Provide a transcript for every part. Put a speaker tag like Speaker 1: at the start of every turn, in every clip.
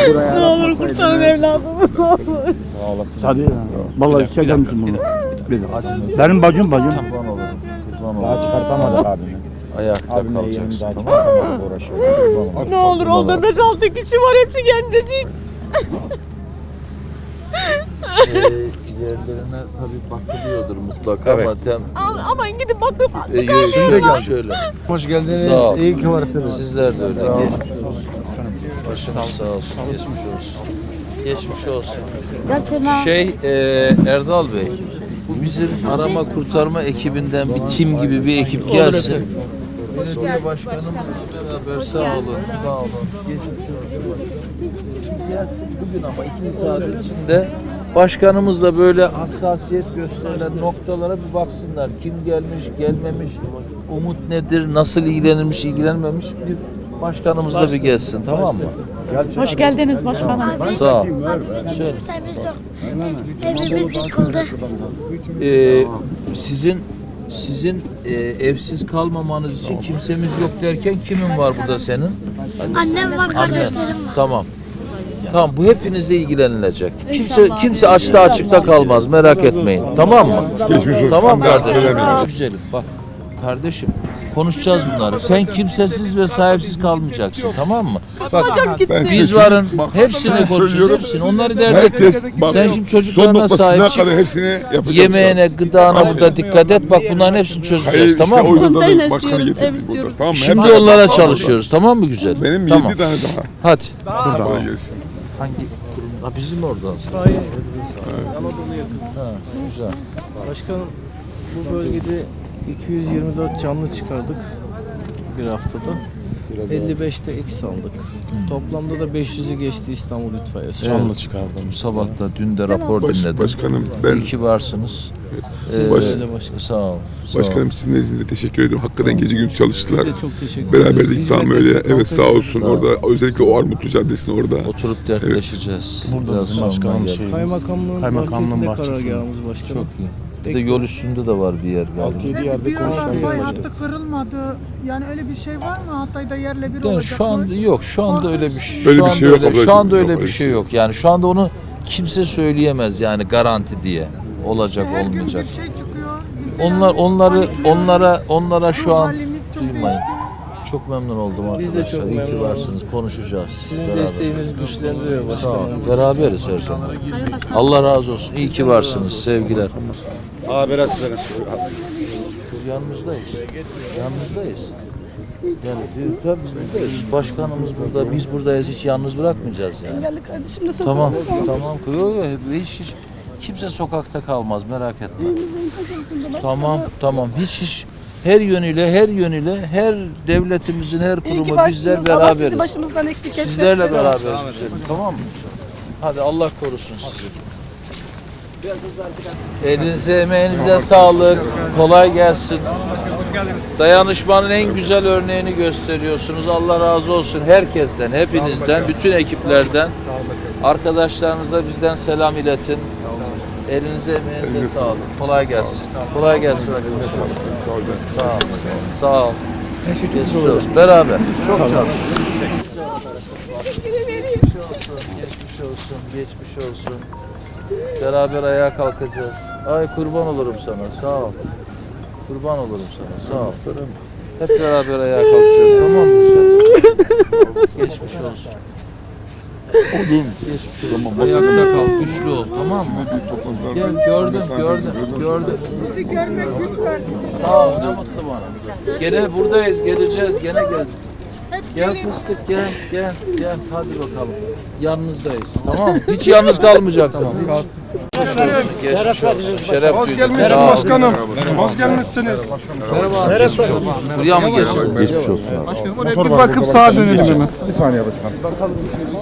Speaker 1: Ne olur kurtarın evladımı.
Speaker 2: Hadi ya. Vallahi iki gelmişim bunu. Benim bacım.
Speaker 3: Kurban olurum.
Speaker 4: Daha çıkartamadık abimi.
Speaker 3: Ayakta
Speaker 4: Abimle
Speaker 3: kalacaksın.
Speaker 4: yeğenim daha
Speaker 3: Tamam.
Speaker 4: çıkartamadık, uğraşıyoruz.
Speaker 1: Ne olur oldu 5-6 kişi var hepsi gencecik.
Speaker 3: Yerlerine tabii bakılıyordur mutlaka ama
Speaker 1: Aman gidin bakın.
Speaker 3: şöyle.
Speaker 4: Hoş
Speaker 3: Sağ
Speaker 4: geldiniz.
Speaker 3: ol.
Speaker 4: İyi ki varsınız.
Speaker 3: Sizler de öyle. Geçmiş olsun. Başınız sağ olsun. Geçmiş olsun. Geçmiş olsun. Erdal Bey, bu bizim arama kurtarma ekibinden bir tim gibi bir ekip gelsin. Belediye başkanımızla beraber sağ olun. Sağ olun. Geçmiş olsun. Gelsin bugün ama 2 saat içinde başkanımızla böyle hassasiyet gösterilen noktalara bir baksınlar. Kim gelmiş, gelmemiş, umut nedir, nasıl ilgilenilmiş, ilgilenmemiş bir başkanımızla bir gelsin, tamam mı?
Speaker 1: Hoş geldiniz başkanım.
Speaker 3: Sağ ol. Şöyle.
Speaker 5: Evimiz yıkıldı.
Speaker 3: Sizin evsiz kalmamanız için kimsemiz yok derken kimin var burada senin?
Speaker 5: Annem var, kardeşlerim var.
Speaker 3: Tamam. Tamam, bu hepinizle ilgilenilecek. Kimse açıkta kalmaz, merak etmeyin. Tamam mı? Tamam kardeşim. Güzelim. Bak kardeşim, konuşacağız bunları. Sen kimsesiz ve sahipsiz kalmayacaksın, tamam mı? Bak biz varın, hepsini konuşacağız, hepsini. Onları dert etme. Sen şimdi çocuklarına sahip çık. Yemeğine, gıdana burada dikkat et. Bak bunların hepsini çözeceğiz, tamam mı?
Speaker 6: Konteyner istiyoruz, ev istiyoruz.
Speaker 7: Tamam,
Speaker 3: Şimdi onlara çalışıyoruz, tamam mı güzel?
Speaker 7: benim 7
Speaker 3: tamam.
Speaker 7: tane daha.
Speaker 3: Hadi.
Speaker 7: Kolay gelsin.
Speaker 3: Hangi kurum? Ha, bizim oradan.
Speaker 8: Anadolu yakası.
Speaker 3: Ha, güzel.
Speaker 8: Başkanım, bu bölgede 224 canlı çıkardık bir haftada. 55'te X aldık. Toplamda da 500'ü geçti İstanbul İtfaiyesi.
Speaker 3: Canlı çıkardım. Sabah da dün de rapor dinledim.
Speaker 7: Başkanım ben
Speaker 3: İyi ki varsınız. Sağ ol.
Speaker 7: başkanım sizin nezdinizde teşekkür ediyorum. Hakikaten gece gündüz çalıştılar.
Speaker 8: Biz de çok teşekkür ederiz.
Speaker 7: Beraberlik tam öyle.
Speaker 8: Hizmet
Speaker 7: Evet sağ olsun
Speaker 3: Sağ ol.
Speaker 7: orada. Özellikle o Armutlu Caddesi'nde orada.
Speaker 3: Oturup dertleşeceğiz.
Speaker 2: Burada bizim başkanım şey.
Speaker 8: Kaymakamlığın
Speaker 2: Kaymakamlığın
Speaker 8: bahçesinde
Speaker 2: bahçesinde.
Speaker 8: karargahımız başkanım.
Speaker 3: Çok iyi. Bir de yol üstünde de var bir yer galiba.
Speaker 2: 6-7 yerde
Speaker 9: Bir ara
Speaker 2: konuşuyor.
Speaker 9: fay hattı kırılmadı. Yani öyle bir şey var mı? Hatay'da yerle bir
Speaker 3: Yani
Speaker 9: olacak.
Speaker 3: şu anda yok. Şu anda öyle bir şey.
Speaker 7: Öyle
Speaker 3: Şu
Speaker 7: bir
Speaker 3: anda
Speaker 7: şey yok
Speaker 3: öyle,
Speaker 7: ablacığım,
Speaker 3: şu anda
Speaker 7: yok
Speaker 3: öyle
Speaker 7: öyle
Speaker 3: bir şey yok. Yani şu anda onu kimse söyleyemez yani garanti diye olacak
Speaker 9: Her gün bir
Speaker 3: olmayacak.
Speaker 9: şey çıkıyor. Biz de
Speaker 3: Onlara şu
Speaker 9: ruh
Speaker 3: an
Speaker 9: halimiz çok
Speaker 3: duymayın.
Speaker 9: değişti.
Speaker 3: Çok memnun oldum
Speaker 8: Biz de
Speaker 3: arkadaşlar.
Speaker 8: çok
Speaker 3: İyi ki
Speaker 8: memnun
Speaker 3: varsınız. Konuşacağız.
Speaker 8: Sizin
Speaker 3: beraber.
Speaker 8: desteğiniz güçlendiriyor
Speaker 3: Sağ ol.
Speaker 8: başkanım.
Speaker 3: Beraberiz her zaman. Allah razı olsun. İyi ki varsınız. Sevgiler.
Speaker 4: Abi biraz size
Speaker 3: Yanınızdayız. Yanınızdayız. Yani tabii biz buradayız. Başkanımız burada. Biz buradayız. Hiç yalnız bırakmayacağız yani.
Speaker 1: Engelli kardeşim de
Speaker 3: Tamam. Tamam. Hiç kimse sokakta kalmaz. Merak etme. Tamam. Hiç her yönüyle her devletimizin her
Speaker 1: İyi ki
Speaker 3: kurumu
Speaker 1: varsınız.
Speaker 3: bizler
Speaker 1: Allah sizi
Speaker 3: beraberiz.
Speaker 1: başımızdan eksik etmesin.
Speaker 3: Sizlerle beraberiz. Tamam mı? Hadi Allah korusun sizi. Elinize emeğinize sağlık. Kolay gelsin. Dayanışmanın en güzel örneğini gösteriyorsunuz. Allah razı olsun herkesten, hepinizden, bütün ekiplerden. Arkadaşlarınıza bizden selam iletin. Elinize emeğinize sağlık. Kolay gelsin. Kolay gelsin arkadaşlar. Sağ ol. Sağ ol. Geçmiş olsun. Beraber. Çok çalışın. Geçmiş olsun. Beraber ayağa kalkacağız. Ay kurban olurum sana. Sağ ol. Kurban olurum sana. Sağ ol. Hep beraber ayağa kalkacağız. Tamam mı? Geçmiş olsun. Geçmiş olsun. Ayakta kal. Güçlü ol. Tamam mı? Gel gördüm.
Speaker 9: Sizi görmek güç verdi.
Speaker 3: Sağ ol. Ne mutlu bana. Gene buradayız. Geleceğiz. Gene geleceğiz. Gel fıstık gel. Hadi bakalım. Yanınızdayız. Tamam mı? Hiç yalnız kalmayacaksın. Geçmiş olsun. Şeref duydum.
Speaker 4: Hoş gelmişsiniz başkanım. Hoş gelmişsiniz.
Speaker 3: Merhaba. Buraya mı geldin? Geçmiş olsun.
Speaker 4: Bir bakıp sağa dönelim hemen. Bir saniye başkanım.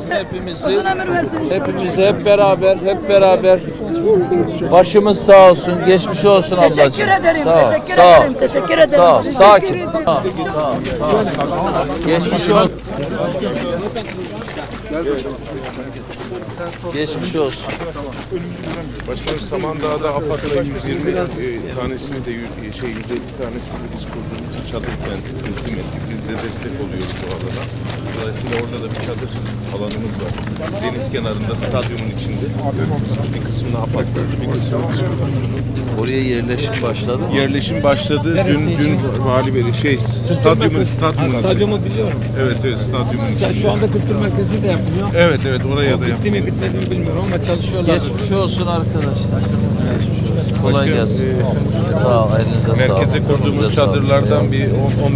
Speaker 3: Hepimiz hep beraber başımız sağ olsun, geçmiş olsun ablacığım.
Speaker 1: Teşekkür ederim. Teşekkür ederim.
Speaker 3: Sağ ol. Sakin. Geçmiş olsun. Geçmiş olsun.
Speaker 7: Başkanım Samandağ'da AFAD'la 120 tanesini de 150 tanesini de biz kurduğumuz için çadır kenti teslim ettik. Biz de destek oluyoruz o alana. Dolayısıyla orada da bir çadır alanımız var. Deniz kenarında, stadyumun içinde. Bir kısmını AFAD kurdu, bir kısmını biz kurduk.
Speaker 3: Oraya yerleşim başladı mı?
Speaker 7: Yerleşim başladı. Dün Vali Bey stadyumun
Speaker 8: Stadyumu biliyorum.
Speaker 7: Evet, stadyumun içinde.
Speaker 8: Şu anda kültür merkezi de yapılıyor.
Speaker 7: Evet, oraya da
Speaker 8: Bitti mi bitmedi mi bilmiyorum ama çalışıyorlar.
Speaker 3: Geçmiş olsun arkadaşlar. Kolay gelsin. Sağ ol, elinize sağlık.
Speaker 7: Merkeze kurduğumuz çadırlardan bir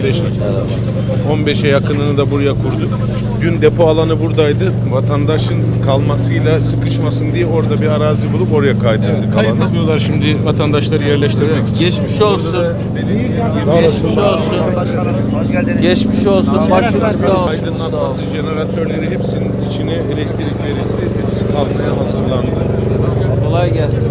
Speaker 7: 15'e yakınını da buraya kurduk. Dün depo alanı buradaydı. Vatandaşın kalmasıyla sıkışmasın diye orada bir arazi bulup oraya kaydırdık. Kayıt alıyorlar şimdi vatandaşları yerleştirmek için.
Speaker 3: Geçmiş olsun. Geçmiş olsun. Geçmiş olsun. Başınız sağ olsun. Sağ
Speaker 7: Aydınlatması
Speaker 3: olsun.
Speaker 7: jeneratörleri hepsinin içine elektrik verildi. Hepsi kalmaya hazırlandı.
Speaker 3: Kolay gelsin.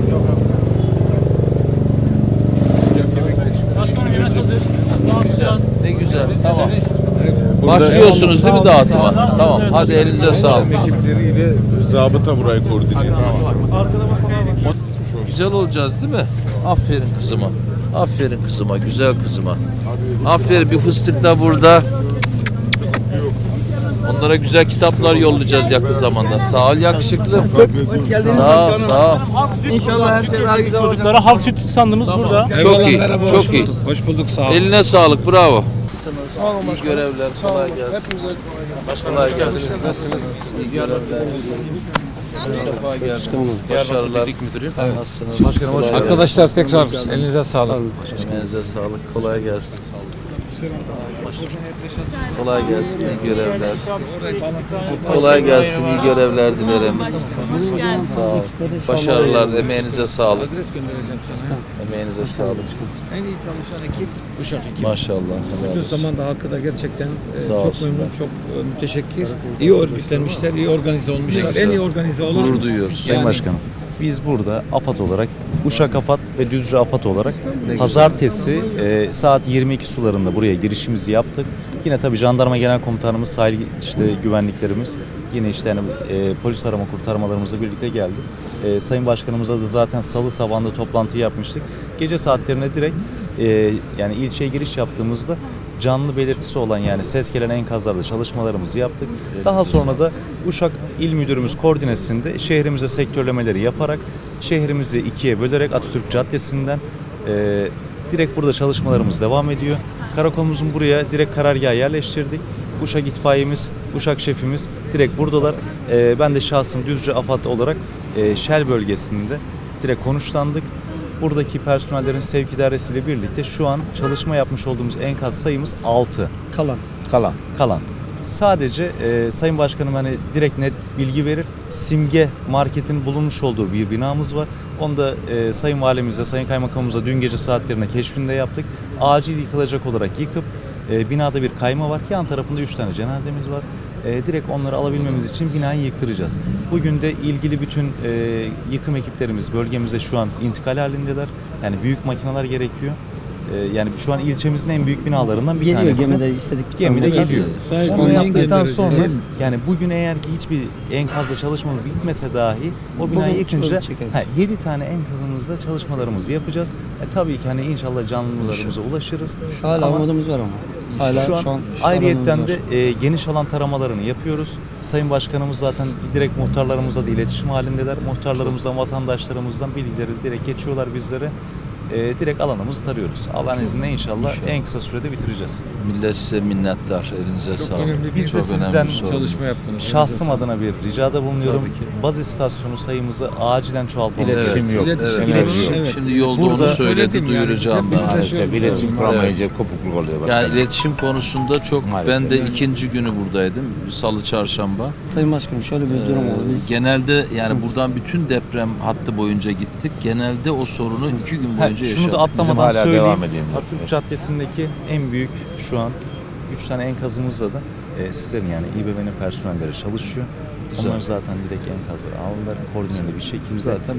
Speaker 3: Ne güzel. Tamam. Başlıyorsunuz değil mi dağıtıma? Tamam. Hadi elinize sağlık.
Speaker 7: Ekipleriyle zabıta burayı koordine ediyor.
Speaker 3: Güzel olacağız değil mi? Aferin kızıma. Aferin kızıma, güzel kızıma. Aferin, bir fıstık da burada. Onlara güzel kitaplar yollayacağız yakın zamanda. Sağ ol yakışıklı. Sağ ol, sağ ol.
Speaker 8: İnşallah her şey daha güzel olacak.
Speaker 4: Çocuklara halk sütü standımız burada.
Speaker 3: Çok iyi, çok iyi.
Speaker 8: Hoş bulduk, sağ olun.
Speaker 3: Eline sağlık, bravo. İyi görevler, kolay gelsin. Kolay gelsin. Nasılsınız? İyi görevler. Sefa geldiniz. Başarılar. Nasılsınız?
Speaker 8: Başkanım hoş
Speaker 3: Kolay gelsin.
Speaker 8: Arkadaşlar tekrar elinize sağlık.
Speaker 3: Emeğinize sağlık. Kolay gelsin. Kolay gelsin. İyi görevler. Kolay gelsin. İyi görevler dilerim. Sağ ol. Başarılar. Emeğinize sağlık. Emeğinize sağlık.
Speaker 8: En iyi çalışan ekip Uşak ekibi.
Speaker 3: Maşallah.
Speaker 8: Bütün Samandağ halkı da gerçekten
Speaker 3: Sağ
Speaker 8: çok
Speaker 3: olsunlar.
Speaker 8: memnun, çok müteşekkir. İyi örgütlenmişler, iyi organize olmuşlar. En iyi organize olan.
Speaker 3: Gurur duyuyoruz.
Speaker 2: Sayın Başkanım, biz burada AFAD olarak, Uşak AFAD ve Düzce AFAD olarak pazartesi saat 22 sularında buraya girişimizi yaptık. Yine tabii jandarma genel komutanımız, sahil güvenliklerimiz, yine polis arama kurtarmalarımızla birlikte geldi. Sayın Başkanımızla da zaten salı sabahında toplantı yapmıştık. Gece saatlerine direkt yani ilçeye giriş yaptığımızda canlı belirtisi olan yani ses gelen enkazlarda çalışmalarımızı yaptık. Daha sonra da Uşak İl Müdürümüz koordinesinde şehrimize sektörlemeleri yaparak şehrimizi ikiye bölerek Atatürk Caddesi'nden direkt burada çalışmalarımız devam ediyor. Karakolumuzun buraya direkt karargahı yerleştirdik. Uşak itfaiyemiz, Uşak şefimiz direkt buradalar. Ben de şahsım Düzce AFAD olarak Şel bölgesinde direkt konuşlandık. Buradaki personellerin sevk idaresiyle birlikte şu an çalışma yapmış olduğumuz enkaz sayımız 6. Kalan. Sadece Sayın Başkanım hani direkt net bilgi verir. Simge Market'in bulunmuş olduğu bir binamız var. Onu da Sayın Valimize, Sayın Kaymakamımıza dün gece saatlerinde keşfinde yaptık. Acil yıkılacak olarak yıkıp binada bir kayma var. Yan tarafında 3 tane cenazemiz var. Direkt onları alabilmemiz için binayı yıktıracağız. Bugün de ilgili bütün yıkım ekiplerimiz bölgemizde şu an intikal halindeler. Yani büyük makineler gerekiyor. Yani şu an ilçemizin en büyük binalarından bir tanesi.
Speaker 1: Gemide istedik.
Speaker 2: Gemide geliyor.
Speaker 8: Sahip
Speaker 2: Onu
Speaker 8: olmayı
Speaker 2: yaptıktan
Speaker 8: getireceğiz.
Speaker 2: sonra yani bugün eğer ki hiçbir enkazla çalışmamız bitmese dahi o binayı yıkınca 7 tane enkazımızda çalışmalarımızı yapacağız. Tabii ki hani inşallah canlılarımıza ulaşırız.
Speaker 1: Hala umudumuz var ama. Hala
Speaker 2: Şu an
Speaker 1: alanımız
Speaker 2: ayrıyetten
Speaker 1: var.
Speaker 2: de geniş alan taramalarını yapıyoruz. Sayın Başkanımız zaten direkt muhtarlarımızla da iletişim halindeler. Muhtarlarımızdan, vatandaşlarımızdan bilgileri direkt geçiyorlar bizlere. Direkt alanımızı tarıyoruz. Allah'ın izniyle inşallah en kısa sürede bitireceğiz.
Speaker 3: Millet size minnettar. Elinize sağlık.
Speaker 8: önemli bir
Speaker 2: Biz de
Speaker 3: Çok
Speaker 2: sizden
Speaker 3: önemli bir sorun.
Speaker 8: Çalışma yaptınız.
Speaker 2: şahsım adına bir ricada bulunuyorum.
Speaker 3: Tabii ki.
Speaker 2: Baz istasyonu sayımızı acilen çoğaltmamız
Speaker 3: Evet.
Speaker 2: gerekiyor.
Speaker 8: İletişim
Speaker 2: İletişim.
Speaker 8: sorunu, evet.
Speaker 3: Şimdi yolda
Speaker 2: Burada
Speaker 3: onu söyledi,
Speaker 8: söyledim yani.
Speaker 3: duyuracağım
Speaker 8: Biz
Speaker 3: ben.
Speaker 8: de
Speaker 3: Maalesef.
Speaker 10: İletişim kuramayınca kopukluk oluyor başkanım.
Speaker 3: Yani iletişim konusunda çok, ben de ikinci günü buradaydım. Salı, çarşamba.
Speaker 1: Sayın Başkanım şöyle bir durum oldu. Biz
Speaker 3: Genelde yani buradan bütün deprem hattı boyunca gittik. Genelde o sorunu 2 gün boyunca yaşadık.
Speaker 2: Şunu da atlamadan
Speaker 10: hala
Speaker 2: söyleyeyim.
Speaker 10: devam edeyim.
Speaker 2: Atatürk Caddesi'ndeki en büyük şu an 3 tane enkazımızda da sizlerin yani İBB'nin personelleri çalışıyor.
Speaker 3: Güzel.
Speaker 2: Onlar zaten direkt enkazları aldılar. Koordineli bir şekilde.
Speaker 3: Zaten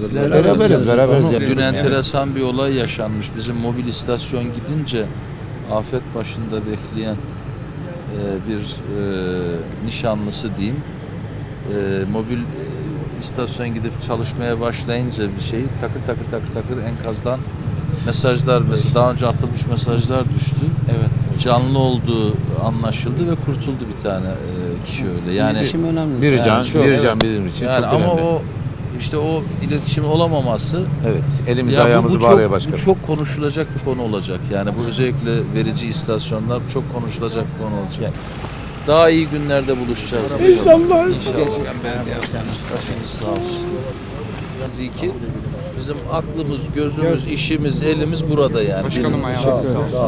Speaker 10: Beraberiz.
Speaker 3: Dün enteresan bir olay yaşanmış. Bizim mobil istasyon gidince afet başında bekleyen bir nişanlısı diyeyim mobil istasyon gidip çalışmaya başlayınca bir şey takır enkazdan mesajlar, mesela daha önce atılmış mesajlar düştü.
Speaker 2: Evet.
Speaker 3: Canlı olduğu anlaşıldı ve kurtuldu bir tane kişi öyle. Yani
Speaker 1: İletişim önemli.
Speaker 10: Bir can,
Speaker 3: çok-
Speaker 10: bir can bizim için
Speaker 3: yani
Speaker 10: çok
Speaker 3: ama
Speaker 10: önemli.
Speaker 3: o işte o iletişim olamaması,
Speaker 10: Evet, elimizi
Speaker 3: ya
Speaker 10: ayağımızı
Speaker 3: bu
Speaker 10: bağlıyor
Speaker 3: çok,
Speaker 10: başkanım.
Speaker 3: bu çok konuşulacak bir konu olacak. Yani bu özellikle verici istasyonlar çok konuşulacak bir konu olacak. Daha iyi günlerde buluşacağız. İnşallah. Başınız sağ olsun. Zikir, bizim aklımız, gözümüz, işimiz, elimiz burada yani.
Speaker 4: Başkanım ayağınıza sağlık.